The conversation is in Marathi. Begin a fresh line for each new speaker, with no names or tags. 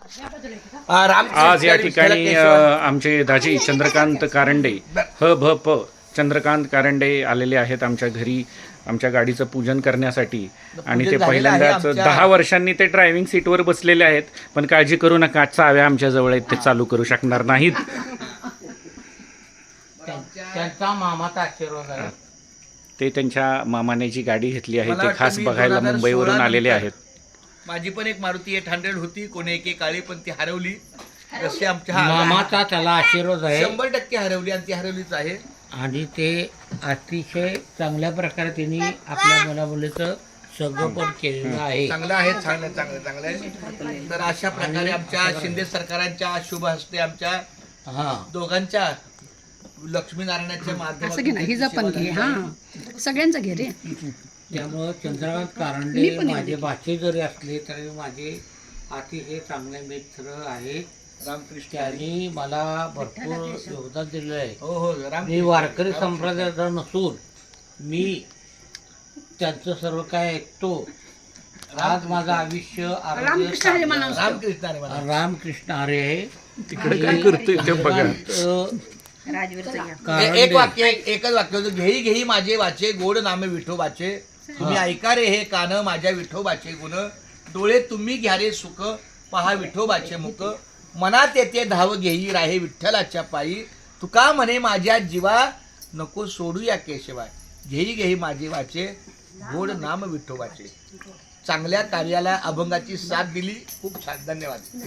आज या ठिकाणी आमचे दाजी चंद्रकांत कारंडे चंद्रकांत कारंडे आलेले आहेत आमच्या घरी आमच्या गाडीचं पूजन करण्यासाठी आणि ते पहिल्यांदाच 10 वर्षांनी ते ड्रायव्हिंग सीटवर बसलेले आहेत. पण काळजी करू नका, चाव्या आमच्या जवळ आहेत, ते चालू करू शकणार नाहीत.
त्यांचा मामाचा आशीर्वाद आहे.
ते त्यांच्या मामाने जी गाडी घेतली आहे ते खास बघायला मुंबईवरून आलेले आहेत.
माझी पण एक मारुती 800 होती, कोणी एके काळी पण ती हरवली. जसे आमच्या
मामाचा त्याला आशीर्वाद आहे,
100% हरवली आणि ती हरवलीच आहे.
आणि ते अतिशय चांगल्या प्रकारे त्यांनी आपल्या मुलामुलीचं संगोपन केलेलं आहे.
चांगलं आहे, चांगलं चांगलं चांगलं आहे. तर अशा प्रकारे आमच्या शिंदे सरकारांच्या शुभ हस्ते आमच्या दोघांच्या लक्ष्मीनारायणाच्या माध्यमातून
ही जपन घे, हा सगळ्यांचं घे रे.
त्यामुळं चंद्रकांत कारंडे माझे भाचे जरी असले तरी माझे अतिशय चांगले मित्र आहेत.
रामकृष्ण
त्यांनी मला भरपूर योगदान दिलेलं आहे.
हो हो
मी वारकरी संप्रदायाचा नसून मी त्यांचं सर्व काय ऐकतो. आज माझं आयुष्य
रामकृष्ण हरी म्हणा.
रामकृष्ण हरी आहे.
तिकडे काय करतोय ते बघा.
एक वाक्य, एकच वाक्य होतं, घेई घेई माझे वाचे गोड नामे विठोबाचे, तुम्ही ऐका रे हे कान माझ्या विठोबाचे गुण, डोळे तुम्ही घ्या रे सुख, पहा विठोबाचे मुख, मनात येते धाव घेई राहे विठ्ठलाच्या पायी, तुका म्हणे माझ्या जीवा नको सोडूया केशवाय, घेई घेई माझे वाचे गोड नाम विठोबाचे. चांगल्या कार्याला अभंगाची साथ दिली. खूप छान, धन्यवाद.